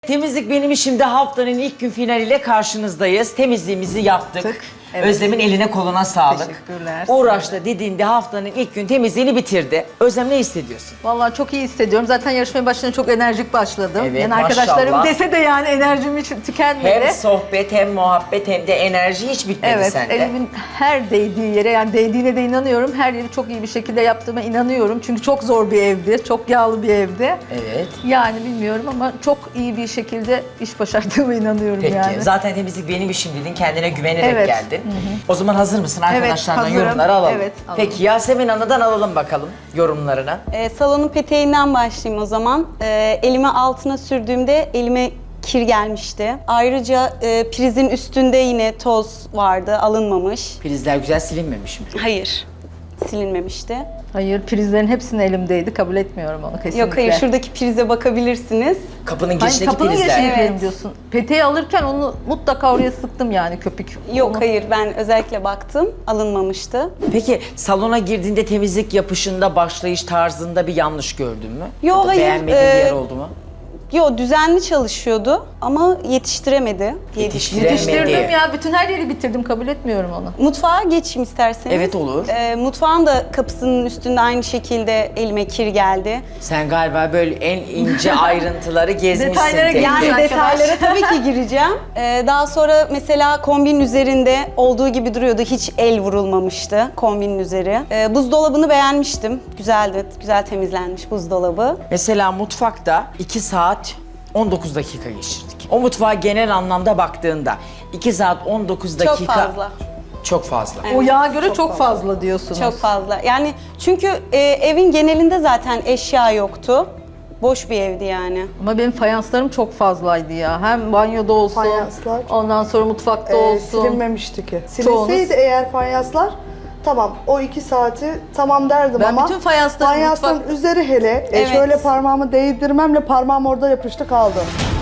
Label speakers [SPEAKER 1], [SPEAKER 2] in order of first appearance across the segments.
[SPEAKER 1] Temizlik benim işimde haftanın ilk gün finaliyle karşınızdayız. Temizliğimizi yaptık.
[SPEAKER 2] Evet.
[SPEAKER 1] Özlem'in eline koluna sağlık.
[SPEAKER 2] Teşekkürler.
[SPEAKER 1] Uğraştı, didindi, haftanın ilk gün temizliğini bitirdi. Özlem ne hissediyorsun?
[SPEAKER 2] Vallahi çok iyi hissediyorum. Zaten yarışmaya başladığında çok enerjik başladım.
[SPEAKER 1] Evet,
[SPEAKER 2] Yani arkadaşlarım
[SPEAKER 1] maşallah.
[SPEAKER 2] dese de yani enerjim hiç tükenmedi.
[SPEAKER 1] Hem sohbet hem muhabbet hem de enerji hiç bitmedi
[SPEAKER 2] Evet,
[SPEAKER 1] sende.
[SPEAKER 2] elimin her değdiği yere, yani değdiğine de inanıyorum. Her yeri çok iyi bir şekilde yaptığıma inanıyorum. Çünkü çok zor bir evdi, çok yağlı bir evdi.
[SPEAKER 1] Evet.
[SPEAKER 2] Yani bilmiyorum ama çok iyi bir şekilde iş başardığıma inanıyorum
[SPEAKER 1] Peki.
[SPEAKER 2] yani.
[SPEAKER 1] Zaten temizlik benim işim dedin. Kendine güvenerek
[SPEAKER 2] Evet.
[SPEAKER 1] geldin. O zaman hazır mısın? Arkadaşlardan
[SPEAKER 2] hazırım.
[SPEAKER 1] yorumları alalım.
[SPEAKER 2] Evet, alalım.
[SPEAKER 1] Peki Yasemin Ana'dan alalım bakalım yorumlarını.
[SPEAKER 3] Salonun peteğinden başlayayım o zaman. Elime altına sürdüğümde elime kir gelmişti. Ayrıca prizin üstünde yine toz vardı, alınmamış.
[SPEAKER 1] Prizler güzel silinmemiş mi?
[SPEAKER 3] Hayır, silinmemişti.
[SPEAKER 2] Hayır, prizlerin hepsinin elimdeydi. Kabul etmiyorum onu kesinlikle.
[SPEAKER 3] Yok hayır, şuradaki prize bakabilirsiniz.
[SPEAKER 1] Kapının
[SPEAKER 2] Hayır,
[SPEAKER 1] girişindeki
[SPEAKER 2] kapının
[SPEAKER 1] prizler.
[SPEAKER 2] girişine girelim
[SPEAKER 3] Evet.
[SPEAKER 2] diyorsun. Peteği alırken onu mutlaka oraya sıktım yani köpük.
[SPEAKER 3] Yok
[SPEAKER 2] Onu-
[SPEAKER 3] hayır, ben özellikle baktım, alınmamıştı.
[SPEAKER 1] Peki salona girdiğinde temizlik yapışında, başlayış tarzında bir yanlış gördün mü?
[SPEAKER 3] Yo,
[SPEAKER 1] Ya da
[SPEAKER 3] hayır,
[SPEAKER 1] beğenmediğin bir yer oldu mu?
[SPEAKER 3] Yo, düzenli çalışıyordu ama yetiştiremedi diye düşünüyorum.
[SPEAKER 2] Yetiştirdim ya. Bütün her yeri bitirdim. Kabul etmiyorum onu.
[SPEAKER 3] Mutfağa geçeyim isterseniz.
[SPEAKER 1] Evet, olur.
[SPEAKER 3] Mutfağın da kapısının üstünde aynı şekilde elime kir geldi.
[SPEAKER 1] Sen galiba böyle en ince ayrıntıları gezmişsin.
[SPEAKER 2] Detaylara
[SPEAKER 1] tek
[SPEAKER 2] girmiş
[SPEAKER 1] tek.
[SPEAKER 3] Yani
[SPEAKER 2] arkadaş.
[SPEAKER 3] detaylara tabii ki gireceğim. Daha sonra mesela kombinin üzerinde olduğu gibi duruyordu. Hiç el vurulmamıştı kombinin üzeri. Buzdolabını beğenmiştim. Güzeldi. Güzel temizlenmiş buzdolabı.
[SPEAKER 1] Mesela mutfakta 2 saat 19 dakika geçirdik. O mutfağa genel anlamda baktığında 2 saat 19 dakika...
[SPEAKER 3] Çok fazla.
[SPEAKER 1] Çok fazla.
[SPEAKER 2] O yağa göre çok fazla diyorsunuz.
[SPEAKER 3] Çok fazla. Yani çünkü evin genelinde zaten eşya yoktu. Boş bir evdi yani.
[SPEAKER 2] Ama benim fayanslarım çok fazlaydı ya. Hem banyoda olsun,
[SPEAKER 4] Fayanslar,
[SPEAKER 2] ondan sonra mutfakta olsun.
[SPEAKER 4] silinmemişti ki.
[SPEAKER 2] Çoğunuz-
[SPEAKER 4] Silinseydi eğer fayanslar, tamam o 2 saati tamam derdim
[SPEAKER 2] Ben
[SPEAKER 4] ama
[SPEAKER 2] bütün fayansları
[SPEAKER 4] fayansın
[SPEAKER 2] mutfak-
[SPEAKER 4] üzeri hele
[SPEAKER 3] Evet.
[SPEAKER 4] şöyle parmağımı değdirmemle parmağım orada yapıştı kaldı.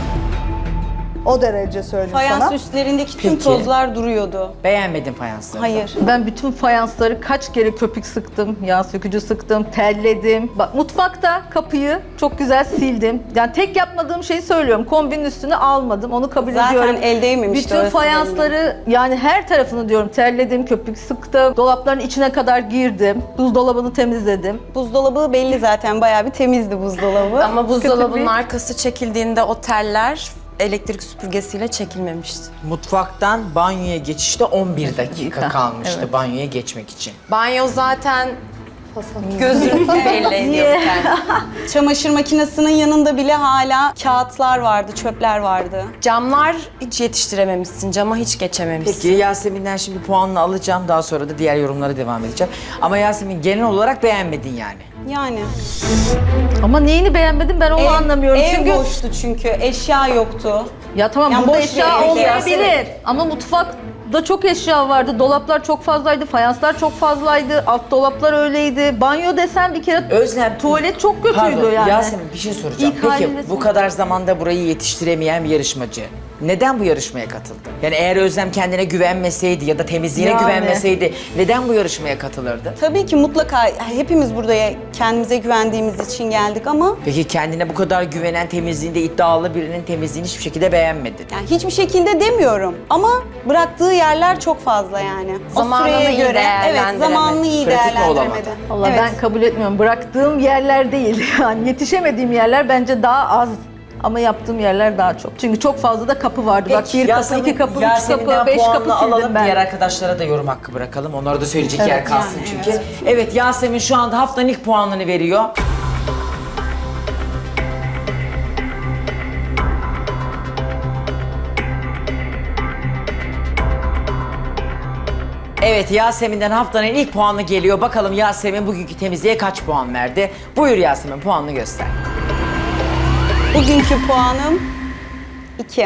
[SPEAKER 4] O derece söyleyeyim
[SPEAKER 3] Fayans
[SPEAKER 4] sana.
[SPEAKER 3] üstlerindeki tüm
[SPEAKER 1] Peki.
[SPEAKER 3] tozlar duruyordu.
[SPEAKER 1] Beğenmedin fayansları.
[SPEAKER 3] Hayır.
[SPEAKER 2] Ben bütün fayansları kaç kere köpük sıktım, yağ sökücü sıktım, telledim. Bak mutfakta kapıyı çok güzel sildim. Yani tek yapmadığım şeyi söylüyorum. Kombinin üstüne almadım. Onu kabul
[SPEAKER 3] Zaten
[SPEAKER 2] ediyorum.
[SPEAKER 3] el değmemişti
[SPEAKER 2] Bütün
[SPEAKER 3] orası
[SPEAKER 2] fayansları yani her tarafını diyorum terledim, köpük sıktım. Dolapların içine kadar girdim. Buzdolabını temizledim.
[SPEAKER 3] Buzdolabı belli zaten. Bayağı bir temizdi buzdolabı.
[SPEAKER 5] Ama buzdolabının
[SPEAKER 2] Kötü bir-
[SPEAKER 5] arkası çekildiğinde o teller elektrik süpürgesiyle çekilmemişti.
[SPEAKER 1] Mutfaktan banyoya geçişte 11 dakika
[SPEAKER 2] Dakika,
[SPEAKER 1] kalmıştı
[SPEAKER 2] evet.
[SPEAKER 1] banyoya geçmek için.
[SPEAKER 5] Banyo zaten gözünü belli ediyordu kendini.
[SPEAKER 3] Çamaşır makinesinin yanında bile hala kağıtlar vardı, çöpler vardı.
[SPEAKER 5] Camlar hiç yetiştirememişsin, cama hiç geçememişsin.
[SPEAKER 1] Peki Yasemin'den şimdi puanını alacağım. Daha sonra da diğer yorumlara devam edeceğim. Ama Yasemin genel olarak beğenmedin yani.
[SPEAKER 3] Yani.
[SPEAKER 2] Ama neyini beğenmedim ben onu anlamıyorum.
[SPEAKER 3] Ev
[SPEAKER 2] Çünkü
[SPEAKER 3] boştu çünkü, eşya yoktu.
[SPEAKER 2] ya tamam
[SPEAKER 3] Yani
[SPEAKER 2] burada
[SPEAKER 3] boş
[SPEAKER 2] eşya
[SPEAKER 3] bir ev
[SPEAKER 2] olmayabilir ama mutfakta çok eşya vardı. Dolaplar çok fazlaydı, fayanslar çok fazlaydı, alt dolaplar öyleydi. Banyo desem bir kere
[SPEAKER 1] Özlem,
[SPEAKER 2] tuvalet çok kötüydü
[SPEAKER 1] pardon,
[SPEAKER 2] yani.
[SPEAKER 1] Yasemin bir şey soracağım.
[SPEAKER 2] İlk
[SPEAKER 1] Peki
[SPEAKER 2] halinde
[SPEAKER 1] bu
[SPEAKER 2] son-
[SPEAKER 1] kadar zamanda burayı yetiştiremeyen bir yarışmacı neden bu yarışmaya katıldı? Yani eğer Özlem kendine güvenmeseydi ya da temizliğine
[SPEAKER 2] Yani.
[SPEAKER 1] güvenmeseydi neden bu yarışmaya katılırdı?
[SPEAKER 3] Tabii ki mutlaka hepimiz buraya kendimize güvendiğimiz için geldik ama
[SPEAKER 1] Peki kendine bu kadar güvenen, temizliğinde iddialı birinin temizliğini hiçbir şekilde beğenmedin.
[SPEAKER 3] yani hiçbir şekilde demiyorum. Ama bıraktığı yerler çok fazla yani.
[SPEAKER 5] Zamanını
[SPEAKER 3] o süreye
[SPEAKER 5] iyi
[SPEAKER 3] göre evet
[SPEAKER 5] değerlendiremedi.
[SPEAKER 3] zamanını iyi
[SPEAKER 1] Pratik mi olamadı?
[SPEAKER 3] değerlendiremedi.
[SPEAKER 2] Vallahi
[SPEAKER 3] Evet.
[SPEAKER 2] ben kabul etmiyorum. Bıraktığım yerler değil yani yetişemediğim yerler bence daha az. Ama yaptığım yerler daha çok. Çünkü çok fazla da kapı vardı. Bak bir kapı, iki kapı, üç
[SPEAKER 1] Yasemin'den
[SPEAKER 2] kapı, 5
[SPEAKER 1] puanını
[SPEAKER 2] kapı sildim
[SPEAKER 1] alalım.
[SPEAKER 2] ben.
[SPEAKER 1] Diğer arkadaşlara da yorum hakkı bırakalım. Onlara da söyleyecek yer kalsın
[SPEAKER 3] yani,
[SPEAKER 1] çünkü. Evet Yasemin şu anda haftanın ilk puanını veriyor. Evet Yasemin'den haftanın ilk puanı geliyor. Bakalım Yasemin bugünkü temizliğe kaç puan verdi? Buyur Yasemin puanını göster.
[SPEAKER 3] Bugünkü puanım 2.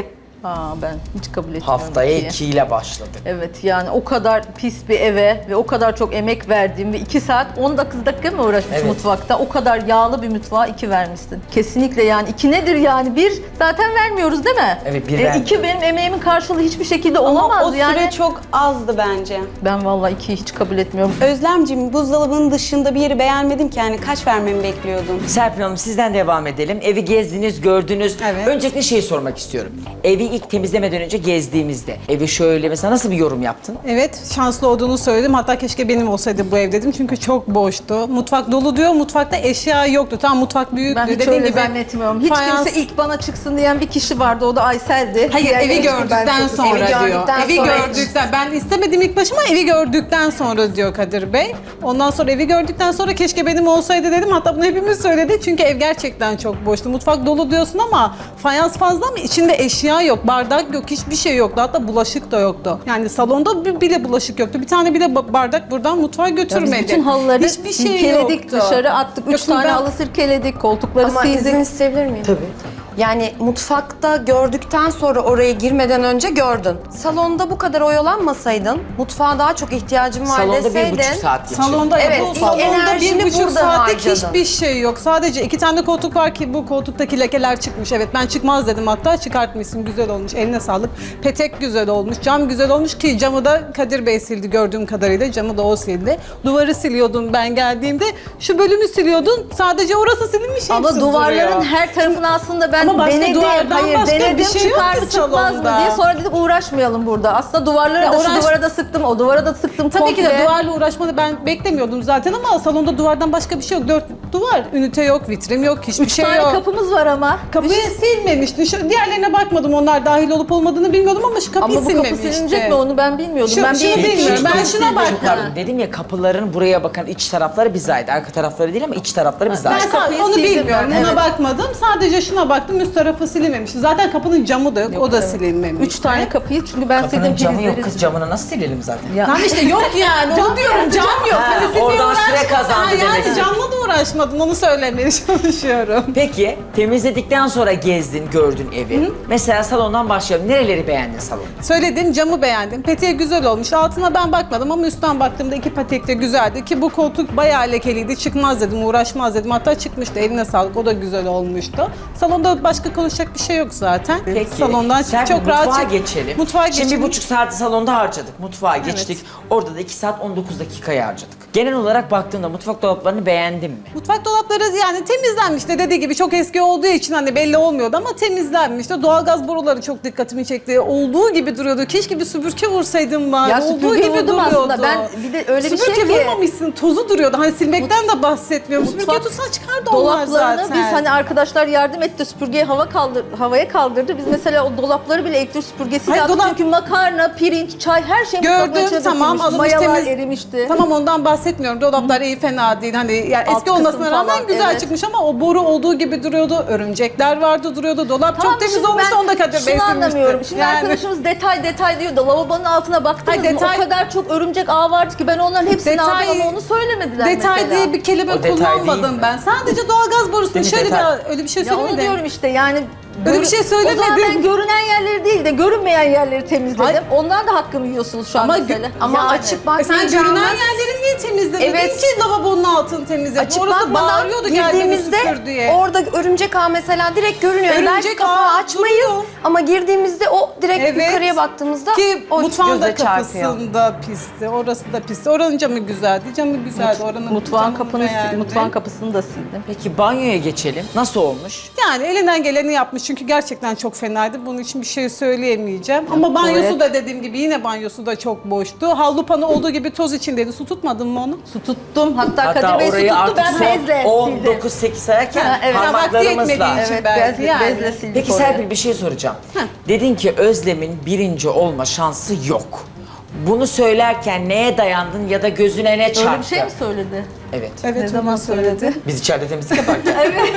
[SPEAKER 2] Ben hiç kabul etmiyorum.
[SPEAKER 1] Haftaya
[SPEAKER 2] ikiyi.
[SPEAKER 1] 2 ile başladık.
[SPEAKER 2] Evet yani o kadar pis bir eve ve o kadar çok emek verdiğim ve 2 saat 19 dakika mı uğraşmış
[SPEAKER 1] Evet.
[SPEAKER 2] mutfakta? O kadar yağlı bir mutfağa 2 vermişsin. Kesinlikle yani 2 nedir yani? 1 zaten vermiyoruz değil mi?
[SPEAKER 1] Evet, bir vermiyoruz.
[SPEAKER 2] 2 benim emeğimin karşılığı hiçbir şekilde
[SPEAKER 3] Ama
[SPEAKER 2] olamaz
[SPEAKER 3] o süre
[SPEAKER 2] yani.
[SPEAKER 3] çok azdı bence.
[SPEAKER 2] Ben vallahi 2'yi hiç kabul etmiyorum.
[SPEAKER 3] Özlemciğim, buzdolabının dışında bir yeri beğenmedim ki, yani kaç vermemi bekliyordun?
[SPEAKER 1] Serpil Hanım sizden devam edelim. Evi gezdiniz, gördünüz.
[SPEAKER 3] Evet.
[SPEAKER 1] Öncelikle şeyi sormak istiyorum. Evi ilk temizlemeden önce gezdiğimizde evi şöyle mesela nasıl bir yorum yaptın?
[SPEAKER 6] Evet, şanslı olduğunu söyledim. Hatta keşke benim olsaydı bu ev dedim. Çünkü çok boştu. Mutfak dolu diyor. Mutfakta eşya yoktu. Tamam, mutfak büyüktü.
[SPEAKER 2] Ben hiç
[SPEAKER 6] Dediğin
[SPEAKER 2] öyle
[SPEAKER 6] gibi
[SPEAKER 2] zannetmiyorum. Hiç
[SPEAKER 6] fayans-
[SPEAKER 2] kimse ilk bana çıksın diyen bir kişi vardı. O da Aysel'di.
[SPEAKER 6] Hayır,
[SPEAKER 2] Diğerleri
[SPEAKER 6] evi
[SPEAKER 2] hiç ben
[SPEAKER 6] gördükten
[SPEAKER 2] çok-
[SPEAKER 6] sonra
[SPEAKER 2] Evi
[SPEAKER 6] diyor.
[SPEAKER 2] gördükten
[SPEAKER 6] Evi
[SPEAKER 2] sonra
[SPEAKER 6] gördükten. Ben istemedim ilk başta ama evi gördükten sonra diyor Kadir Bey. Ondan sonra evi gördükten sonra keşke benim olsaydı dedim. Hatta bunu hepimiz söyledi. Çünkü ev gerçekten çok boştu. Mutfak dolu diyorsun ama fayans fazla ama içinde eşya yok, bardak yok, hiçbir şey yoktu. Hatta bulaşık da yoktu. Yani salonda bile bulaşık yoktu. Bir tane bile bardak buradan mutfağa
[SPEAKER 2] Ya biz
[SPEAKER 6] götürmedi.
[SPEAKER 2] bütün halıları
[SPEAKER 6] Hiçbir şey
[SPEAKER 2] sirkeledik,
[SPEAKER 6] yoktu.
[SPEAKER 2] dışarı attık. 3
[SPEAKER 6] Yok, şimdi
[SPEAKER 2] tane
[SPEAKER 6] ben-
[SPEAKER 2] halı sirkeledik, koltukları
[SPEAKER 5] Ama
[SPEAKER 2] sildik.
[SPEAKER 5] izin isteyebilir miyim?
[SPEAKER 1] Tabii.
[SPEAKER 5] Yani mutfakta gördükten sonra oraya girmeden önce gördün. Salonda bu kadar oyalanmasaydın, mutfağa daha çok ihtiyacım var
[SPEAKER 1] Salonda
[SPEAKER 5] deseydin.
[SPEAKER 1] 1,5 saat geçirdim.
[SPEAKER 6] Salonda
[SPEAKER 5] Evet,
[SPEAKER 6] bu
[SPEAKER 5] ilk
[SPEAKER 6] salonda
[SPEAKER 5] enerjini
[SPEAKER 6] 1,5
[SPEAKER 5] burada
[SPEAKER 6] saatlik
[SPEAKER 5] harcadın.
[SPEAKER 6] hiçbir şey yok. Sadece 2 tane koltuk var ki bu koltuktaki lekeler çıkmış. Evet, ben çıkmaz dedim, hatta çıkartmışsın, güzel olmuş, eline sağlık. Petek güzel olmuş, cam güzel olmuş ki camı da Kadir Bey sildi gördüğüm kadarıyla, camı da o sildi. Duvarı siliyordun ben geldiğimde, şu bölümü siliyordun, sadece orası silinmiş,
[SPEAKER 2] Ama
[SPEAKER 6] hepsi
[SPEAKER 2] duvarların
[SPEAKER 6] duruyor.
[SPEAKER 2] her tarafını aslında ben
[SPEAKER 6] Ama başka
[SPEAKER 2] denedim.
[SPEAKER 6] duvardan
[SPEAKER 2] Hayır
[SPEAKER 6] başka bir
[SPEAKER 2] denedim
[SPEAKER 6] şey yok
[SPEAKER 2] çıkar
[SPEAKER 6] ki
[SPEAKER 2] mı çıkmaz mı
[SPEAKER 6] salonda.
[SPEAKER 2] diye. Sonra dedik uğraşmayalım burada. Aslında duvarları
[SPEAKER 6] Ya
[SPEAKER 2] da
[SPEAKER 6] uğraş-
[SPEAKER 2] şu duvara da sıktım, o duvara da sıktım.
[SPEAKER 6] Tabii ki de
[SPEAKER 2] komple.
[SPEAKER 6] duvarla uğraşmanı ben beklemiyordum zaten ama salonda duvardan başka bir şey yok. 4 duvar, ünite yok, vitrin yok, hiçbir
[SPEAKER 2] 3
[SPEAKER 6] şey
[SPEAKER 2] tane
[SPEAKER 6] yok.
[SPEAKER 2] kapımız var ama.
[SPEAKER 6] Kapıyı silmemişti. Şu diğerlerine bakmadım. Onlar dahil olup olmadığını bilmiyordum ama şu kapıyı
[SPEAKER 2] Ama bu kapı
[SPEAKER 6] silmemişti.
[SPEAKER 2] silinecek mi onu ben bilmiyordum.
[SPEAKER 6] Şu-
[SPEAKER 2] ben
[SPEAKER 6] şu
[SPEAKER 2] bir
[SPEAKER 6] değil mi?
[SPEAKER 2] bilmiyorum.
[SPEAKER 6] Ben şuna baktım.
[SPEAKER 1] Çok pardon, dedim ya kapıların buraya bakan iç tarafları bize ait. Arka tarafları değil ama iç tarafları bize
[SPEAKER 6] Ben
[SPEAKER 1] ait.
[SPEAKER 2] kapıyı
[SPEAKER 6] onu
[SPEAKER 2] sildim
[SPEAKER 6] bilmiyorum.
[SPEAKER 2] ben,
[SPEAKER 6] Ona
[SPEAKER 2] evet.
[SPEAKER 6] bakmadım. Sadece şuna baktım. Üst tarafı silinmemişti. Zaten kapının camı da yok. O da silinmemiş.
[SPEAKER 2] 3 tane kapıyı çünkü ben
[SPEAKER 1] Kapının
[SPEAKER 2] sildim
[SPEAKER 1] camı yok
[SPEAKER 2] prizleri
[SPEAKER 1] kız, camını nasıl silelim zaten?
[SPEAKER 2] Ya.
[SPEAKER 6] Tamam işte yok yani. Onu diyorum. Cam yok.
[SPEAKER 1] Ha,
[SPEAKER 6] Hani silmeye
[SPEAKER 1] oradan süre
[SPEAKER 6] uğraşmadın.
[SPEAKER 1] kazandı
[SPEAKER 6] Ha,
[SPEAKER 1] demek ki.
[SPEAKER 6] Yani camla da uğraşmadın. Onu söylemeye çalışıyorum.
[SPEAKER 1] Peki temizledikten sonra gezdin, gördün evi. Mesela salondan başlayalım. Nereleri beğendin salonda?
[SPEAKER 6] Söyledim, camı beğendim. Peteği güzel olmuş. Altına ben bakmadım ama üstten baktığımda 2 petek de güzeldi ki bu koltuk bayağı lekeliydi. Çıkmaz dedim, uğraşmaz dedim. Hatta çıkmıştı. Eline sağlık. O da güzel olmuştu. Salonda başka konuşacak bir şey yok zaten.
[SPEAKER 1] Peki.
[SPEAKER 6] Salondan
[SPEAKER 1] Serpil,
[SPEAKER 6] çok rahat
[SPEAKER 1] mutfağa
[SPEAKER 6] çık-
[SPEAKER 1] geçelim.
[SPEAKER 6] Mutfağa
[SPEAKER 1] Şimdi
[SPEAKER 6] geçelim.
[SPEAKER 1] 1,5 saati salonda harcadık. Mutfağa geçtik. Orada da 2 saat 19 dakikayı harcadık. Genel olarak baktığında mutfak dolaplarını beğendin mi?
[SPEAKER 6] Mutfak dolapları yani temizlenmişti, dediği gibi çok eski olduğu için hani belli olmuyordu ama temizlenmişti. Doğalgaz boruları çok dikkatimi çekti. Olduğu gibi duruyordu. Keşke bir süpürge vursaydım var.
[SPEAKER 2] Ya
[SPEAKER 6] Olduğu
[SPEAKER 2] süpürge
[SPEAKER 6] gibi
[SPEAKER 2] vurdum
[SPEAKER 6] duruyordu.
[SPEAKER 2] aslında. Ben bir de öyle bir
[SPEAKER 6] Süpürge
[SPEAKER 2] şey ki
[SPEAKER 6] vurmamışsın, tozu duruyordu. Hani silmekten de bahsetmiyorum. Süpürge
[SPEAKER 2] Mutfak
[SPEAKER 6] tutsan çıkardı onlar
[SPEAKER 2] dolaplarını
[SPEAKER 6] zaten.
[SPEAKER 2] biz hani arkadaşlar yardım etti süpürgeyi havaya kaldırdı. Biz mesela o dolapları bile elektrik süpürgesiyle
[SPEAKER 6] Hayır,
[SPEAKER 2] attık.
[SPEAKER 6] dolap-
[SPEAKER 2] Çünkü makarna, pirinç, çay her şey mutfağın
[SPEAKER 6] Gördüm,
[SPEAKER 2] içine
[SPEAKER 6] tamam,
[SPEAKER 2] dökülmüş.
[SPEAKER 6] alınmış,
[SPEAKER 2] Mayalar
[SPEAKER 6] temiz.
[SPEAKER 2] erimişti.
[SPEAKER 6] Tamam, ondan bahsetmiyorum. Dolaplar iyi, fena değil. Hani yani
[SPEAKER 2] Alt
[SPEAKER 6] eski olmasına
[SPEAKER 2] kısım
[SPEAKER 6] rağmen
[SPEAKER 2] falan,
[SPEAKER 6] güzel
[SPEAKER 2] evet.
[SPEAKER 6] çıkmış ama o boru olduğu gibi duruyordu. Örümcekler vardı, duruyordu. Dolap
[SPEAKER 2] Tamam,
[SPEAKER 6] çok temiz
[SPEAKER 2] şimdi
[SPEAKER 6] olmuş,
[SPEAKER 2] ben
[SPEAKER 6] onu da Kadir Bey
[SPEAKER 2] şunu
[SPEAKER 6] silmişti.
[SPEAKER 2] anlamıyorum. Şimdi
[SPEAKER 6] Yani-
[SPEAKER 2] arkadaşımız detay diyor da lavabonun altına baktınız
[SPEAKER 6] Hayır,
[SPEAKER 2] mı?
[SPEAKER 6] detay-
[SPEAKER 2] O kadar çok örümcek ağı vardı ki ben onların hepsini
[SPEAKER 6] Detay-
[SPEAKER 2] aldım ama onu söylemediler
[SPEAKER 6] Detay
[SPEAKER 2] mesela.
[SPEAKER 6] diye bir kelime
[SPEAKER 1] O detay
[SPEAKER 6] kullanmadım
[SPEAKER 1] değil mi?
[SPEAKER 6] ben. Sadece doğalgaz borusunu
[SPEAKER 1] Değil mi,
[SPEAKER 6] şöyle
[SPEAKER 1] detay?
[SPEAKER 6] bir öyle bir şey
[SPEAKER 2] Ya onu
[SPEAKER 6] söylemedim.
[SPEAKER 2] diyorum işte yani.
[SPEAKER 6] Öyle bir şey söylemedim.
[SPEAKER 2] O zaman ben görünen yerleri değil de görünmeyen yerleri temizledim.
[SPEAKER 6] Hayır.
[SPEAKER 2] Ondan da hakkımı yiyorsunuz şu an
[SPEAKER 6] Ama
[SPEAKER 2] mesela.
[SPEAKER 5] Ama
[SPEAKER 2] Yani.
[SPEAKER 5] açık
[SPEAKER 6] Sen
[SPEAKER 5] bakmayacağımız...
[SPEAKER 6] görünen yerleri niye temizlemedin
[SPEAKER 5] Evet.
[SPEAKER 6] ki lavabonun altını temizledin?
[SPEAKER 5] Açık
[SPEAKER 6] Orası
[SPEAKER 5] bakmadan
[SPEAKER 6] bağırıyordu geldiğini
[SPEAKER 5] girdiğimizde
[SPEAKER 6] süpür diye.
[SPEAKER 5] orada örümcek ağı mesela direkt görünüyor.
[SPEAKER 6] Örümcek
[SPEAKER 5] Belki kapağı
[SPEAKER 6] ağı
[SPEAKER 5] açmayız
[SPEAKER 6] duruyor.
[SPEAKER 5] ama girdiğimizde o direkt
[SPEAKER 6] Evet.
[SPEAKER 5] yukarıya baktığımızda
[SPEAKER 6] Ki
[SPEAKER 5] o
[SPEAKER 6] mutfağın da
[SPEAKER 5] göze çarpıyor.
[SPEAKER 6] kapısında pisti, orası da pisti. Oranın camı güzeldi, camı güzeldi. Oranın
[SPEAKER 2] Mutfağın
[SPEAKER 6] camını beğendim.
[SPEAKER 2] mutfağın kapısını da sildim.
[SPEAKER 1] Peki banyoya geçelim. Nasıl olmuş?
[SPEAKER 6] Yani elinden geleni yapmış çünkü gerçekten çok fenaydı. Bunun için bir şey söyleyemeyeceğim. Ama banyosu da dediğim gibi yine banyosu da çok boştu. Havlu panı olduğu gibi toz içindeydi. Su tutmadın mı onu?
[SPEAKER 2] Su tuttum. Hatta Kadir
[SPEAKER 1] Hatta
[SPEAKER 2] Bey su
[SPEAKER 1] orayı
[SPEAKER 2] tuttu
[SPEAKER 1] artık
[SPEAKER 2] ben bezle sildim.
[SPEAKER 1] 19-8 sayarken
[SPEAKER 2] Ha, evet.
[SPEAKER 6] Ya vakti
[SPEAKER 1] parmaklarımızla.
[SPEAKER 6] yetmediği için
[SPEAKER 2] Evet
[SPEAKER 6] belki
[SPEAKER 2] bezle,
[SPEAKER 6] yani.
[SPEAKER 2] bezle sildik
[SPEAKER 1] Peki
[SPEAKER 2] orayı.
[SPEAKER 1] Serpil bir şey soracağım. Dedin ki Özlem'in birinci olma şansı yok. Bunu söylerken neye dayandın ya da gözüne ne çarptı?
[SPEAKER 2] Öyle bir şey mi söyledi?
[SPEAKER 1] Evet.
[SPEAKER 6] Evet,
[SPEAKER 2] Ne
[SPEAKER 6] onu
[SPEAKER 2] zaman söyledi?
[SPEAKER 1] Biz içeride temizlik yaparken. Evet.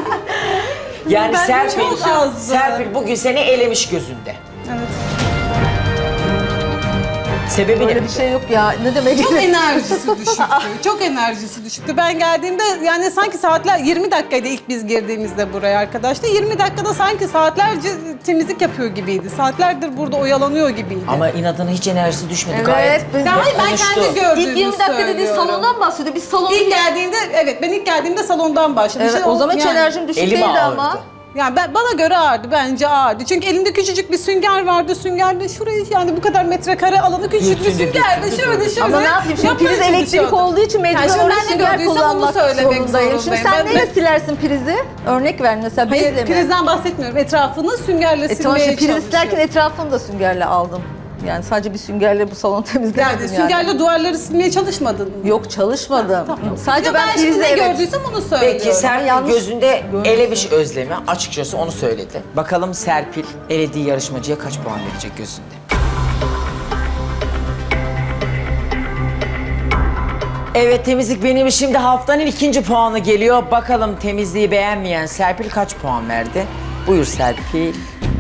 [SPEAKER 1] Yani
[SPEAKER 6] Bence
[SPEAKER 1] Serpil,
[SPEAKER 6] çok azdı.
[SPEAKER 1] Serpil bugün seni elemiş gözünde.
[SPEAKER 6] Evet.
[SPEAKER 1] Sebebi
[SPEAKER 2] Öyle
[SPEAKER 1] ne?
[SPEAKER 2] bir şey yok ya. Ne demek?
[SPEAKER 6] Çok enerjisi düşüktü. Çok enerjisi düşüktü. Ben geldiğimde yani sanki saatler 20 dakikaydı ilk biz girdiğimizde buraya arkadaşlar. 20 dakikada sanki saatlerce temizlik yapıyor gibiydi. Saatlerdir burada oyalanıyor gibiydi.
[SPEAKER 1] Ama inadına hiç enerjisi düşmedi
[SPEAKER 2] Evet,
[SPEAKER 1] gayet.
[SPEAKER 2] biz-
[SPEAKER 6] Ya hayır, ben
[SPEAKER 1] konuştu.
[SPEAKER 6] kendi gördüğümü
[SPEAKER 2] İlk 20 dakika dediği
[SPEAKER 6] söylüyorum.
[SPEAKER 2] salondan bahsediyor. Biz salonu...
[SPEAKER 6] İlk geldiğinde ben ilk geldiğimde salondan başladım.
[SPEAKER 2] Evet,
[SPEAKER 6] İşte
[SPEAKER 2] o zaman hiç
[SPEAKER 6] yani-
[SPEAKER 2] enerjim düşük
[SPEAKER 1] Elim
[SPEAKER 2] değildi
[SPEAKER 1] ağrıdı.
[SPEAKER 2] ama.
[SPEAKER 6] Yani bana göre ağırdı, bence ağırdı. Çünkü elinde küçücük bir sünger vardı. Süngerde şurayı yani bu kadar metrekare alanı küçücük bir
[SPEAKER 1] Dürtündü,
[SPEAKER 6] süngerdi.
[SPEAKER 1] dürtündü,
[SPEAKER 6] Şöyle
[SPEAKER 1] dürtündü.
[SPEAKER 6] şöyle.
[SPEAKER 2] Ama ne yapayım şimdi
[SPEAKER 6] yapmaya
[SPEAKER 2] priz elektrik
[SPEAKER 6] çalışıyordum.
[SPEAKER 2] olduğu için mecburen
[SPEAKER 6] Yani şimdi
[SPEAKER 2] orada
[SPEAKER 6] ben ne
[SPEAKER 2] sünger
[SPEAKER 6] gördüysem onu
[SPEAKER 2] kullanmak
[SPEAKER 6] söylemek
[SPEAKER 2] zorundayım. Şimdi
[SPEAKER 6] zorundayım.
[SPEAKER 2] sen
[SPEAKER 6] Ben-
[SPEAKER 2] neyle silersin prizi? Örnek ver mesela bezle
[SPEAKER 6] Hayır,
[SPEAKER 2] mi?
[SPEAKER 6] prizden bahsetmiyorum. Etrafını süngerle
[SPEAKER 2] Tamam
[SPEAKER 6] silmeye
[SPEAKER 2] şimdi priz
[SPEAKER 6] çalışıyorum.
[SPEAKER 2] silerken etrafını da süngerle aldım. Yani sadece bir süngerle bu salonu temizlemedim
[SPEAKER 6] Yani
[SPEAKER 2] yani.
[SPEAKER 6] süngerle duvarları silmeye çalışmadın mı?
[SPEAKER 2] Yok çalışmadım.
[SPEAKER 6] Tamam.
[SPEAKER 2] Sadece
[SPEAKER 6] Ya
[SPEAKER 2] ben
[SPEAKER 6] şimdi
[SPEAKER 2] prizi
[SPEAKER 6] ne
[SPEAKER 2] evet.
[SPEAKER 6] gördüysem onu söylüyorum.
[SPEAKER 1] Peki Serpil
[SPEAKER 2] yanlış
[SPEAKER 1] gözünde elemiş özlemi. Açıkçası onu söyledi. Bakalım Serpil elediği yarışmacıya kaç puan verecek gözünde? Evet temizlik benim şimdi haftanın 2. puanı geliyor. Bakalım temizliği beğenmeyen Serpil kaç puan verdi? Buyur Serpil.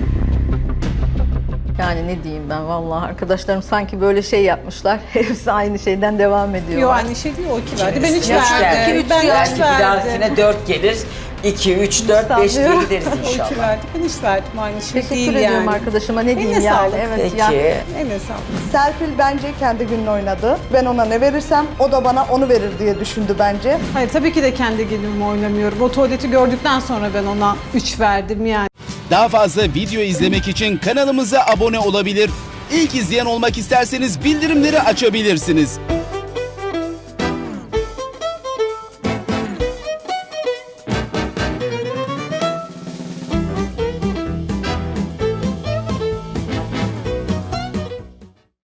[SPEAKER 2] Yani ne diyeyim ben vallahi arkadaşlarım sanki böyle şey yapmışlar. Hepsi aynı şeyden devam ediyor.
[SPEAKER 6] Yok aynı şey değil, o 2 verdi. Ben 3
[SPEAKER 1] Üç verdi.
[SPEAKER 6] verdim. Ben 3
[SPEAKER 1] Belki bir
[SPEAKER 6] verdim.
[SPEAKER 1] dahakine 4 gelir. 2, 3, 4, 5 diye
[SPEAKER 2] Sanmıyorum.
[SPEAKER 1] gideriz
[SPEAKER 6] O 2
[SPEAKER 1] inşallah.
[SPEAKER 6] verdi. Ben 3 verdim. Aynı şey
[SPEAKER 2] Teşekkür
[SPEAKER 6] değil
[SPEAKER 2] ediyorum
[SPEAKER 6] yani.
[SPEAKER 2] arkadaşıma ne diyeyim
[SPEAKER 6] Eline
[SPEAKER 2] yani.
[SPEAKER 6] sağlık.
[SPEAKER 2] Evet
[SPEAKER 1] Peki.
[SPEAKER 2] ya.
[SPEAKER 6] Eline sağlık.
[SPEAKER 4] Serpil bence kendi gününü oynadı. Ben ona ne verirsem o da bana onu verir diye düşündü bence.
[SPEAKER 6] Hayır tabii ki de kendi günümü oynamıyorum. O tuvaleti gördükten sonra ben ona 3 verdim yani.
[SPEAKER 7] Daha fazla video izlemek için kanalımıza abone olabilir. İlk izleyen olmak isterseniz bildirimleri açabilirsiniz.